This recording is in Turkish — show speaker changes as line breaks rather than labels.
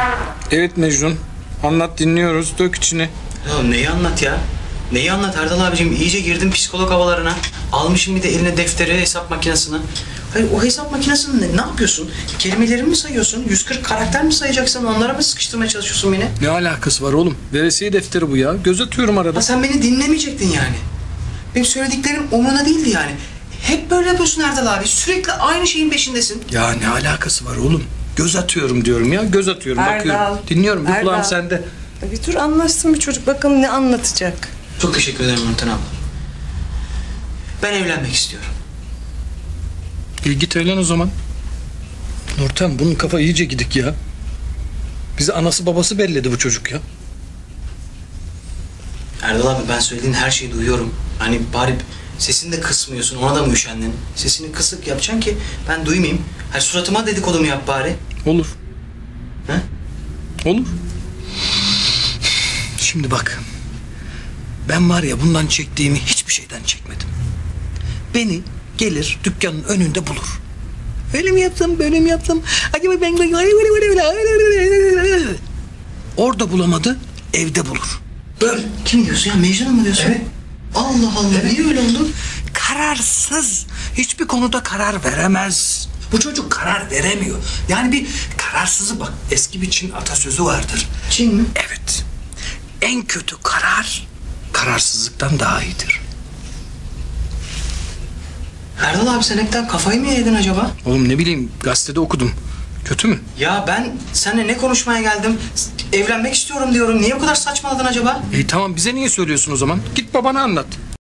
Evet Mecnun. Anlat, dinliyoruz. Dök içini.
Ya neyi anlat ya? Neyi anlat Erdal abicim? İyice girdim psikolog havalarına. Almışım bir de eline defteri, hesap makinesini. Hayır, o hesap makinesini ne yapıyorsun? Kelimeleri mi sayıyorsun? 140 karakter mi sayacaksın? Onlara mı sıkıştırmaya çalışıyorsun beni?
Ne alakası var oğlum? Veresiye defteri bu ya. Göz atıyorum arada.
Ha, sen beni dinlemeyecektin yani. Benim söylediklerim umuruna değildi yani. Hep böyle yapıyorsun Erdal abi. Sürekli aynı şeyin peşindesin.
Ya ne alakası var oğlum? Göz atıyorum diyorum ya. Göz atıyorum,
Erdal,
bakıyorum. Dinliyorum. Bir
Erdal.
kulağım sende.
Bir dur anlaşsın bir çocuk. Bakalım ne anlatacak.
Çok teşekkür ederim Nurten abla. Ben evlenmek istiyorum.
Git evlen o zaman. Nurten, bunun kafa iyice gidik ya. Bizi anası babası belledi bu çocuk ya.
Erdal abi, ben söylediğin her şeyi duyuyorum. Hani bari sesini de kısmıyorsun, ona da mı üşendin? Sesini kısık yapacaksın ki ben duymayayım. Hani suratıma dedikodumu yap bari.
Olur.
He?
Olur. Şimdi bak. Ben var ya, bundan çektiğimi hiçbir şeyden çekmedim. Beni gelir dükkanın önünde bulur. Öyle mi yapsam, böyle mi yapsam? Acaba ben... Orada bulamadı, evde bulur. Böyle.
Kim diyorsun ya? Mecnun mu diyorsun?
Evet.
Allah Allah, niye öyle oldu?
Kararsız. Hiçbir konuda karar veremez. Bu çocuk karar veremiyor. Yani bir kararsızı, bak, eski bir Çin atasözü vardır.
Çin mi?
Evet. En kötü karar kararsızlıktan daha iyidir.
Erdal abi, sen hepten kafayı mı yedin acaba?
Oğlum ne bileyim, gazetede okudum. Kötü mü?
Ya ben seninle ne konuşmaya geldim? Evlenmek istiyorum diyorum. Niye bu kadar saçmaladın acaba?
Tamam, bize niye söylüyorsun o zaman? Git babana anlat.